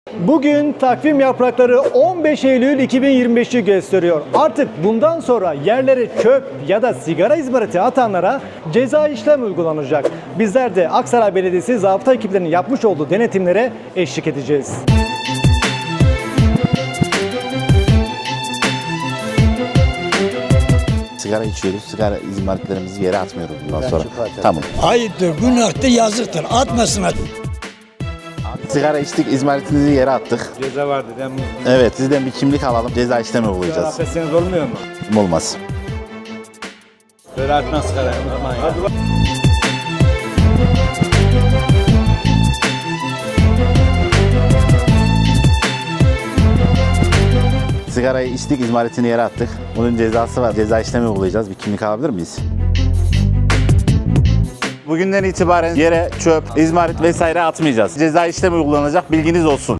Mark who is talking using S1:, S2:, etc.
S1: Bugün takvim yaprakları 15 Eylül 2025'i gösteriyor. Artık bundan sonra yerlere çöp ya da sigara izmariti atanlara ceza işlem uygulanacak. Bizler de Aksaray Belediyesi zabıta ekiplerinin yapmış olduğu denetimlere eşlik edeceğiz.
S2: Sigara içiyoruz, sigara izmaritlerimizi yere atmıyoruz bundan sonra. Tamam.
S3: Ayıptır, günahtır, yazıktır. Atmasınlar.
S2: Sigara içtik, izmaritinizi yere attık.
S4: Ceza vardı değil mi?
S2: Evet, sizden bir kimlik alalım, ceza işlemi uygulayacağız.
S4: Affetseniz olmuyor mu?
S2: Olmaz.
S4: Böyle atmaz sigara. Aman ya.
S2: Sigarayı içtik, izmaritini yere attık. Bunun cezası var, ceza işlemi uygulayacağız. Bir kimlik alabilir miyiz? Bugünden itibaren yere çöp, izmarit vesaire atmayacağız. Ceza işlemi uygulanacak, bilginiz olsun.